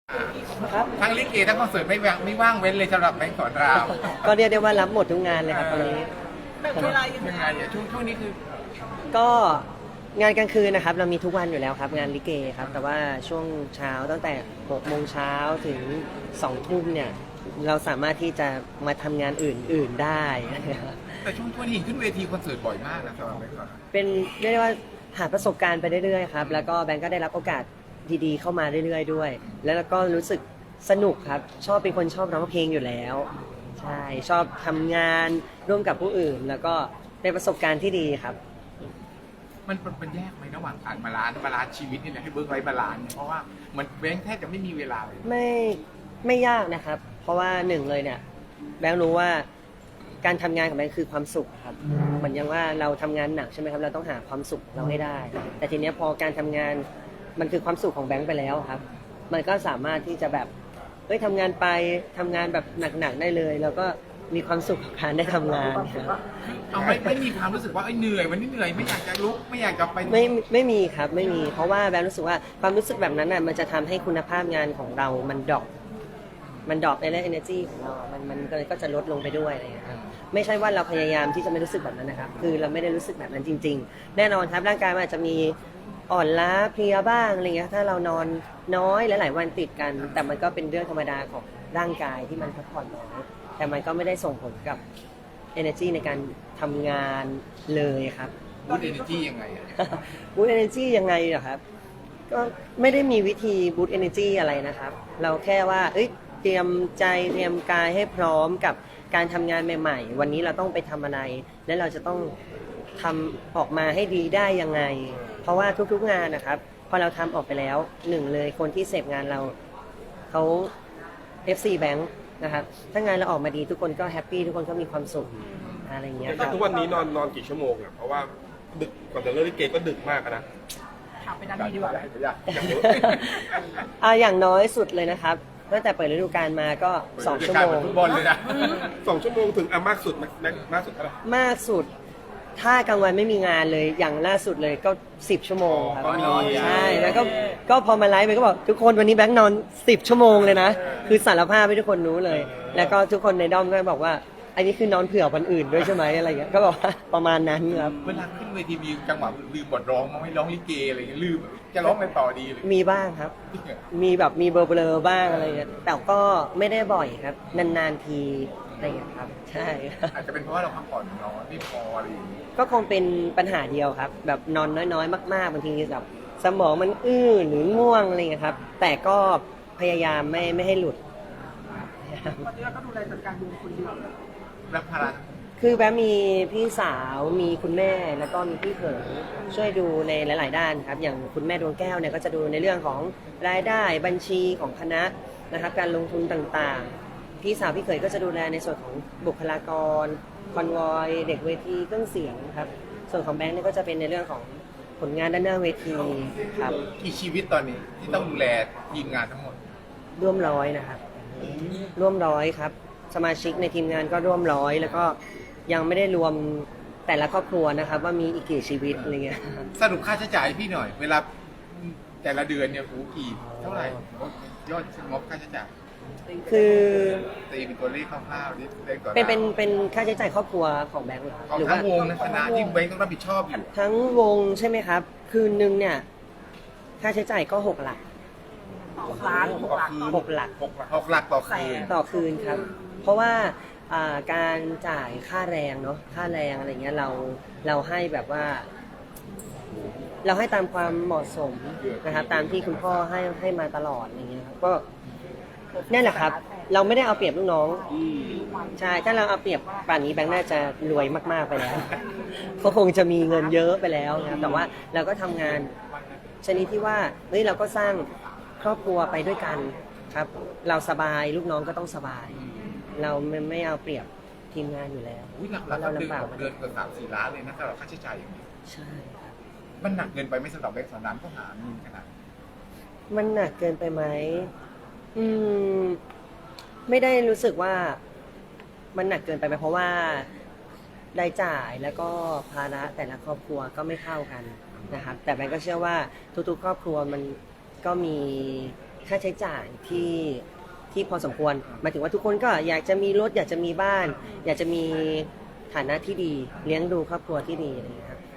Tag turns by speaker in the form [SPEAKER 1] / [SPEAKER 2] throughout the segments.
[SPEAKER 1] ครับ
[SPEAKER 2] ทั้งลิเกทั้งคอนเสิร์ตไม่ว่างเว้นเลยสำหรับแบงค์สอนราม
[SPEAKER 1] ก็เรียกได้ว่ารับหมดทุกงานเลยครับตอนนี้
[SPEAKER 3] แบ่งเวลายัง
[SPEAKER 2] ยัง
[SPEAKER 3] ไง
[SPEAKER 2] ไงอ่ะช่วงนี้คือ
[SPEAKER 1] ก็งานกลางคืนนะครับ เรามีทุกวันอยู่แล้วครับงานลิเกครับแต่ว่าช่วงเช้าตั้งแต่6 โมงเช้าถึง2 ทุ่มเนี่ยเราสามารถที่จะมาทำงานอื่นๆได้นะครับ
[SPEAKER 2] แต่ช่วงนี้เห็นขึ้นเวทีคอนเสิร์ตบ่อยมากนะสำหรับแบงค์สอนราม
[SPEAKER 1] เป็นเรียกได้ว่าหาประสบการณ์ไปเรื่อยๆครับแล้วก็แบงก์ก็ได้รับโอกาสดีๆเข้ามาเรื่อยๆด้วย แล้วก็รู้สึกสนุกครับเป็นคนชอบร้องเพลงอยู่แล้วใช่ชอบทำงานร่วมกับผู้อื่น แล้วก็เป็นประสบการณ์ที่ดีครับ
[SPEAKER 2] มันแยกไหมระหว่างการบาลานซ์ชีวิตนี่แหละให้เบิร์กไลฟ์บาลานซ์เนี่ยเพราะว่ามันแบงค์แทบจะไม่มีเวลาเลย
[SPEAKER 1] ไม่ยากนะครับ เพราะว่าหนึ่งเลยเนี่ยแบงค์รู้ว่าการทำงานของแบงค์คือความสุขครับเหมือนอย่างว่าเราทำงานหนักใช่ไหมครับเราต้องหาความสุขของเราให้ได้ แต่ทีเนี้ยพอการทำงานมันคือความสุขของแบงค์ไปแล้วครับ มันก็สามารถที่จะแบบทำงานไปทำงานแบบหนักๆได้เลย แล้วก็มีความสุขกับการได้ทำงานครับ
[SPEAKER 2] เอาไม่มีความรู้สึกว่าเหนื่อยวันนี้เหนื่อยไม่อยากจะลุกไม่อยากจะไป
[SPEAKER 1] ไม่มีครับไม่มีเพราะว่าแบงค์รู้สึกว่าความรู้สึกแบบนั้นน่ะมันจะทำให้คุณภาพงานของเรามันดรอปในเรื่อง energy ของเรามันก็จะลดลงไปด้วยอะไรอย่างเงี้ยครับไม่ใช่ว่าเราพยายามที่จะไม่รู้สึกแบบนั้นนะครับคือเราไม่ได้รู้สึกแบบนั้นจริงๆแน่นอนครับร่างกายมันอาจจะมีอ่อนล้าเพลียบ้างอะไรเงี้ยถ้าเรานอนน้อยหลายๆวันติดกัน แต่มันก็เป็นเรื่องธรรมดาของร่างกายที่มันพักผ่อนน้อยแต่มันก็ไม่ได้ส่งผลกับ energy ในการทำงานเลยครับ
[SPEAKER 2] บูตเอเนจียังไงอ่ะ
[SPEAKER 1] บูต energy ยังไงเหรอครับก็ไม่ได้มีวิธีบูต energy อะไรนะครับเราแค่ว่าเตรียมใจเตรียมกายให้พร้อมกับการทำงานใหม่ๆวันนี้เราต้องไปทำอะไรและเราจะต้องทำออกมาให้ดีได้ยังไงเพราะว่าทุกๆงานนะครับพอเราทำออกไปแล้วหนึ่งเลยคนที่เสพงานเราเขา FC Bank นะครับถ้างานเราออกมาดีทุกคนก็แฮปปี้ทุกคนก็มีความสุขอะไรอย่างเงี้ยค
[SPEAKER 4] แต่
[SPEAKER 1] รับ
[SPEAKER 4] ทุกวันนี้นอนกี่ชั่วโมงอ่ะเพราะว่าดึกก่อนจะเลิกลิเกก็ดึกมากอะนะ
[SPEAKER 3] ถามไปด้านนี้ดีกว่า
[SPEAKER 4] อย่างเยอะ
[SPEAKER 1] อย่างน้อยสุดเลยนะครับตั้งแต่เปิดฤดูกาลมาก็2 ชั่วโมง
[SPEAKER 2] ฟุตบอลเลยนะ
[SPEAKER 4] 2 ชั่วโมงถึงมากสุดมากสุดเท่าไหร่
[SPEAKER 1] มากสุดถ้ากลางวันไม่มีงานเลยอย่างล่าสุดเลยก็10 ชั่วโมงครับ
[SPEAKER 2] ก็นอน
[SPEAKER 1] ใช่แล้วก็พอมาไลฟ์ไปก็บอกทุกคนวันนี้แบงค์นอน10 ชั่วโมงเลยนะคือสารภาพให้ทุกคนรู้เลย แล้วก็ทุกคนในด้อมก็บอกว่าอันนี้คือนอนเผื่อวันอื่นด้วยใช่ไหมอะไรอย่างเงี้ยก็บอกว่าประมาณนั้นครับ
[SPEAKER 2] เวลาขึ้นเวทีมีจังหวะลืมบทร้องมั้งไม่ร้องลิเกอะไรอย่างเงี้ยลืมจะร้องอะไรต่อดีเลย
[SPEAKER 1] มีบ้างครับ มีแบบมีเบลอๆบ้างอะไรเงี้ยแต่ก็ไม่ได้บ่อยครับนานๆทีอะไรอย่างเงี้ยครับใช่
[SPEAKER 2] อาจจะเป็นเพราะว่าเราพักผ่อนน้อยไม่พออะไรอย่างเงี้ย
[SPEAKER 1] ก็คงเป็นปัญหาเดียวครับ แบบนอนน้อยๆ มากๆบางทีแบบสมองมันหรือง่วงอะไรอย่างเงี้ยครับ แต่ก็พยายามไม่ให้หลุด
[SPEAKER 3] ตอนนี้เราก็ดูแลจัดการดูคนเดียว
[SPEAKER 2] รับภาระ
[SPEAKER 1] คือแบบมีพี่สาวมีคุณแม่แล้วก็มีพี่เขยช่วยดูในหลาย ๆ ด้านครับอย่างคุณแม่ดวงแก้วเนี่ยก็จะดูในเรื่องของรายได้บัญชีของคณะนะครับการลงทุนต่างๆ พี่สาวพี่เขยก็จะดูแลในส่วนของบุคลากรคอนวอยเด็กเวทีเครื่องเสียงครับส่วนของแบงค์เนี่ยก็จะเป็นในเรื่องของผลงานด้านหน้าเวทีครับ
[SPEAKER 2] กี่ชีวิตตอนนี้ที่ต้องดูแลทีมงานทั้งหมด
[SPEAKER 1] ร่วมร้อยนะครับร่วมร้อยครับสมาชิกในทีมงานก็ร่วมร้อยแล้วก็ยังไม่ได้รวมแต่ละครอบครัวนะครับว่ามีอีกกี่ชีวิตอะไรเงี้ย
[SPEAKER 2] สรุปค่าใช้จ่ายให้พี่หน่อย เวลาแต่ละเดือนเนี่ยกี่เท่าไหร่ยอดงบค่าใช้จ่าย
[SPEAKER 1] คือ
[SPEAKER 2] ตีเป็นตัวเลขคร่าวๆนี่เลขต่อ
[SPEAKER 1] เป็นค่าใช้จ่ายครอบครัวของแบงค์เหรอ
[SPEAKER 2] ของ
[SPEAKER 1] หรือ
[SPEAKER 2] ทั้
[SPEAKER 1] ว่าง
[SPEAKER 2] วงนะคณะที่แบงค์ต้องรับผิดชอบอยู่
[SPEAKER 1] ทั้งวงใช่ไหมครับ คืนนึงเนี่ยค่าใช้จ่ายก็6 หลัก
[SPEAKER 3] ล้าน6 ล้าน
[SPEAKER 1] 6 หลัก
[SPEAKER 2] 6 หลักต่อคืน
[SPEAKER 1] ต่อคืนครับ เพราะว่าการจ่ายค่าแรงเนาะค่าแรงอะไรเงี้ยเราให้แบบว่า เราให้ตามความเหมาะสมนะครับ ตามที่คุณพ่อให้มาตลอดอย่างเงี้ยครับก็นี่นแหละครับ เราไม่ได้เอาเปรียบลูกน้องใช่ถ้าเราเอาเปรียบป่านนี้แบงค์น่าจะรวยมากๆไปแล้ว ก็คงจะมีเงินเยอะไปแล้วนะครับแต่ว่าเราก็ทำงานชนิดที่ว่าเราก็สร้างครอบครัวไปด้วยกันครับ เราสบายลูกน้องก็ต้องสบาย เราไม่เอาเปรียบทีมงานอยู่แล้ว
[SPEAKER 2] อุ้ยหลักๆก็เดือนเกือบ3-4 ล้านเลยนะสำหรับค่าใช้จ่ายอย่างนี้
[SPEAKER 1] ใช่ครับ
[SPEAKER 2] มันหนักเกินไปไม่สำหรับแบงค์สอนรามก็หาเงินขนาดนี้
[SPEAKER 1] มันหนักเกินไปไหมไม่ได้รู้สึกว่ามันหนักเกินไปไหมเพราะว่ารายจ่ายแล้วก็ภาระแต่ละครอบครัวก็ไม่เท่ากันนะครับแต่แบงก์ก็เชื่อว่าทุกๆครอบครัวมันก็มีค่าใช้จ่ายที่พอสมควรหมายถึงว่าทุกคนก็อยากจะมีรถอยากจะมีบ้าน อยากจะมีฐานะที่ดีเลี้ยงดูครอบครัวที่ดีอะไรอย่างเงี้ยครับ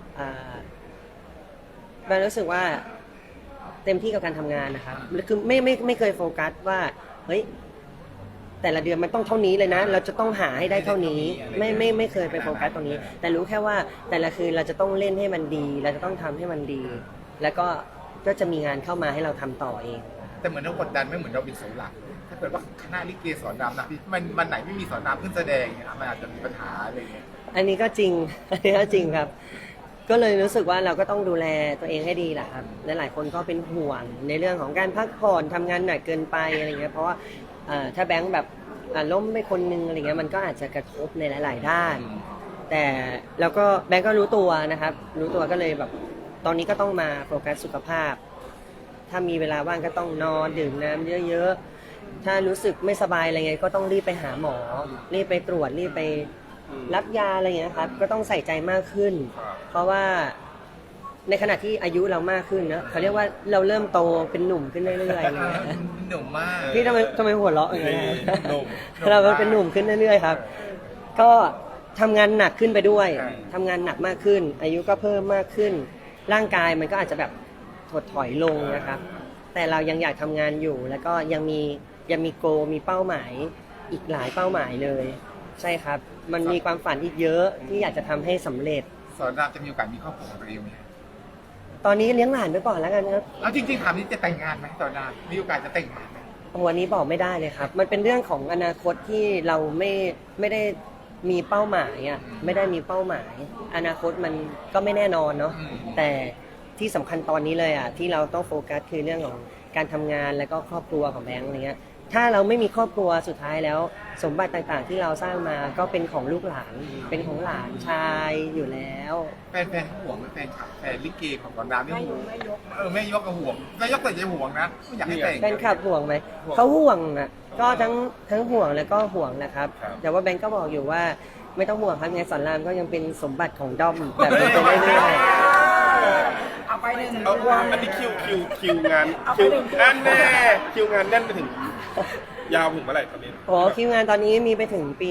[SPEAKER 1] แบนรู้สึกว่าเต็มที่กับการทำงานนะครับคือไม่เคยโฟกัสว่าเฮ้ยแต่ละเดือนมันต้องเท่านี้เลยนะ เราจะต้องหาให้ได้เท่านี้ไม่เคยไปโฟกัสตรงนี้ แต่รู้แค่ว่าแต่ละคืนเราจะต้องเล่นให้มันดี เราจะต้องทำให้มันดี แล้วก็จะมีงานเข้ามาให้เราทำต่อเอง
[SPEAKER 2] แต่เหมือนเรากดดันไม่เหมือนเราเป็นเสาหลักถ้าเกิดว่าคณะลิเกสอนรำนะมันไหนไม่มีสอนรำขึ้นแสดงเนี่ยมันอาจจะมีปัญหาอะไรอย่างเงี้ย
[SPEAKER 1] อันนี้ก็จริง อันนี้ก็จริงครับ ก็เลยรู้สึกว่าเราก็ต้องดูแลตัวเองให้ดีแหละครับและหลายคนก็เป็นห่วงในเรื่องของการพักผ่อนทำงานหนักเกินไปอะไรเงี้ย เพราะว่าถ้าแบงค์แบบล้มไปคนนึงอะไรเงี้ยมันก็อาจจะกระทบในหลาย ๆ ด้าน แต่แล้วก็แบงค์ก็รู้ตัวนะครับ รู้ตัวก็เลยแบบตอนนี้ก็ต้องมาโฟกัสสุขภาพ ถ้ามีเวลาว่างก็ต้องนอนดื่มน้ำเยอะ ๆ ถ้ารู้สึกไม่สบายอะไรเงี้ยก็ต้องรีบไปหาหมอ รีบไปตรวจรีบไปรับยาอะไรเงี้ยครับก็ต้องใส่ใจมากขึ้น เพราะว่าในขณะที่อายุเรามากขึ้นนะเขาเรียกว่าเราเริ่มโตเป็นหนุ่มขึ้นเรื่อยๆ
[SPEAKER 2] หนุ่มมาก
[SPEAKER 1] พี่ทำไมหัวเราะอย่างเงี้ย
[SPEAKER 4] หนุ่ม
[SPEAKER 1] เราเป็นหนุ่มขึ้นเรื่อยๆครับ ก็ทำงานหนักขึ้นไปด้วยทำงานหนักมากขึ้น อายุก็เพิ่มมากขึ้น ร่างกายมันก็อาจจะแบบถดถอยลงนะครับ แต่เรายังอยากทำงานอยู่ แล้วก็ยังมีโกมีเป้าหมายอีกหลายเป้าหมายเลย ใช่ครับ มันมีความฝันอีกเยอะที่อยากจะทำให้สำเร็จ
[SPEAKER 2] สอนรำจะมีโอกาสมีครอบครัวของตัวเองไหม
[SPEAKER 1] ตอนนี้เลี้ยงหลานไปก่อนแล้วกันครับ
[SPEAKER 2] แล้วจริงๆถามนี่จะแต่งงานไหมสอนรำมีโอกาสจะแต่งงานไหม
[SPEAKER 1] วันนี้บอกไม่ได้เลยครับ มันเป็นเรื่องของอนาคตที่เราไม่ได้มีเป้าหมายอ่ะ ไม่ได้มีเป้าหมาย อนาคตมันก็ไม่แน่นอนเนาะ แต่ที่สำคัญตอนนี้เลยอ่ะที่เราต้องโฟกัสคือเรื่องของการทำงานแล้วก็ครอบครัวของแบงค์อะไรเงี้ย ถ้าเราไม่มีครอบครัวสุดท้ายแล้ว สมบัติต่างๆที่เราสร้างมาก็เป็นของลูกหลาน เป็นของหลานชายอยู่แล้ว
[SPEAKER 2] แฟนห่วงไหมแฟนคลับแฟนลิเกของสอนรำนี่ห่วงไม่ยกก็ห่วงไม่ยกแต่จะห่วงนะไม่อยากให้แต่ง
[SPEAKER 1] แฟนคลับห่วงไหม เขาห่วงอ่ะ ก็ทั้งห่วงแล้วก็ห่วงนะครับ แต่ว่าแบงก์ก็บอกอยู่ว่าไม่ต้องห่วงครับไงสอนรามก็ยังเป็นสมบัติของด้อมแบบนี้ไปเรื่อย
[SPEAKER 3] เอาไปหนึ่ง
[SPEAKER 4] เอาอันนี้คิวงานแน่นแน่คิวงานแน่นไปถึงยาวถึงเมื่อไหร่ตอนนี้
[SPEAKER 1] ๆโอ้คิวงานตอนนี้มีไปถึงปี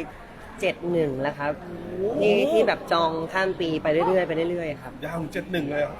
[SPEAKER 1] 71แล้วครับที่แบบจองข้ามปีไปเรื่อยๆไปเรื่อยๆครับ
[SPEAKER 4] ยาวถึง71เลยเหรอ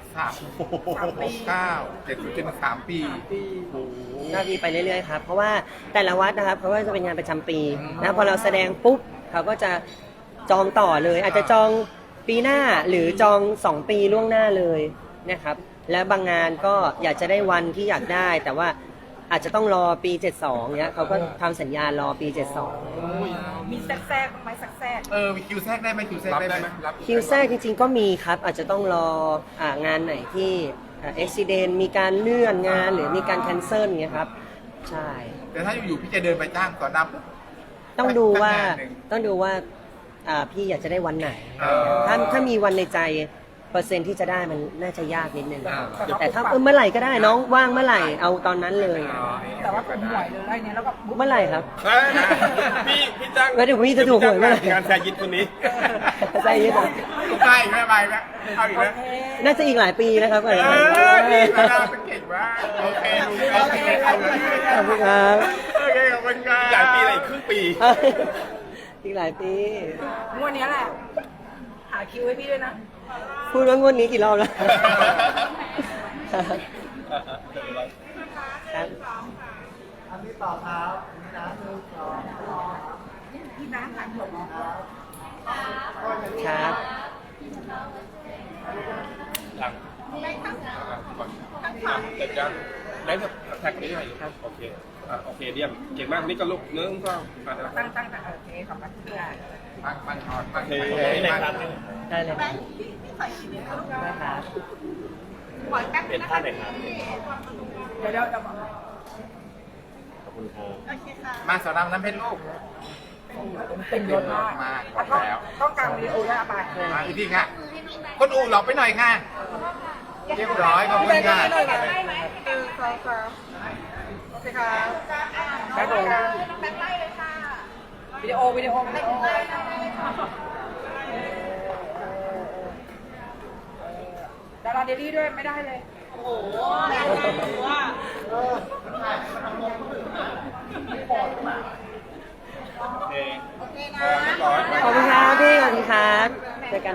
[SPEAKER 2] 3 ปี
[SPEAKER 4] โอ้โห
[SPEAKER 1] หน้าที่ไปเรื่อยๆครับเพราะว่าแต่ละวัดนะครับเขาก็จะเป็นงานประจำปีนะพอเราแสดงปุ๊บเขาก็จะจองต่อเลย อาจจะจองปีหน้าหรือจอง2 ปีล่วงหน้าเลยนะครับและบางงานก็อยากจะได้วันที่อยากได้ แต่ว่าอาจจะต้องรอปี72เนี้ยเขาก็ทำสัญญารอปี72
[SPEAKER 3] มีแทรกไหมแทรก
[SPEAKER 2] มีคิวแทรกได้ไหมคิวแทรกได้ไหม
[SPEAKER 1] คิวแทรกจริงๆก็มีครับอาจจะต้องรองานไหนที่อุบิเหตุมีการเลื่อนงานหรือมีการแคนเซิลเงี้ยครับใช่
[SPEAKER 2] แต่ถ้าอยู่ๆพี่จะเดินไปจ้างสอนรำปุ๊บ
[SPEAKER 1] ต้องดูว่า
[SPEAKER 2] สักงานหนึ่ง
[SPEAKER 1] พี่อยากจะได้วันไหน ถ้ามีวันในใจเปอร์เซ็นต์ที่จะได้มันน่าจะยากนิดนึงแต่ถ้าเมื่อไหร่ก็ได้น้องว่างเมื่อไหร่เอาตอนนั้นเลย
[SPEAKER 3] แต่ว่าผมหวยเลยเนี่ยแล้วก็
[SPEAKER 1] เมื่อไหร่ครับ
[SPEAKER 4] เฮ้ยพี่จ้าง
[SPEAKER 1] แล้วเดี๋ยวพี่จะถูกหวยเมื่อไหร่
[SPEAKER 4] งานแซยิดคนนี้
[SPEAKER 1] ใช่ยัง
[SPEAKER 2] ใกล้ไหมไปไหมเอาอีกแล้ว
[SPEAKER 1] น่าจะอีกหลายปีนะครับ
[SPEAKER 2] นี่สอนรำเป็นเก่งมากโอเคลุงโอเค
[SPEAKER 1] ขอบคุณครับ
[SPEAKER 2] โอเคขอบคุณครับ
[SPEAKER 4] หลายปีอะไรอีกครึ่งปี
[SPEAKER 1] อีกหลายปี
[SPEAKER 3] งวดนี้แหละ หาคิวให้พี่ด้วยนะ
[SPEAKER 1] พูดว่างวดนี้กี่รอบแล้วครับ
[SPEAKER 3] พี่น้ำถามผม
[SPEAKER 1] ครับ
[SPEAKER 4] หลังก่อนเสร็จยังได้แท็กนี้หน่อยครับโอเคโอเคเยี่ยมเก่งมากนี่ก็ลูกเนื้อก็
[SPEAKER 3] ตั้งโอเคขอบคุณค่ะ
[SPEAKER 2] มันถอดมัน
[SPEAKER 4] โอเคได้ครับ
[SPEAKER 1] ได้เลยครับได้ครับ
[SPEAKER 4] เป็นท่าไหนครับ
[SPEAKER 3] เดี๋ยว
[SPEAKER 4] ขอบคุณครับ
[SPEAKER 2] มาสอนรำน้ำเพชรลูก
[SPEAKER 3] เป็นยศมาก
[SPEAKER 2] มากบอกแล้ว
[SPEAKER 3] ต้องการวิดีโอด้วยอาบา
[SPEAKER 2] มาอีกทีค่ะคนอู่หลอกไปหน่อยค่ะเรียบร้อยขอบคุณค่ะ
[SPEAKER 3] โอเคค่ะแบ็คเลยวิดีโอดาราเดลี่ด้วยไม่ได้เลย โอ้โห
[SPEAKER 4] โอเคเรียบร้อย
[SPEAKER 1] ขอบคุณครับพี่ขอบคุณครับ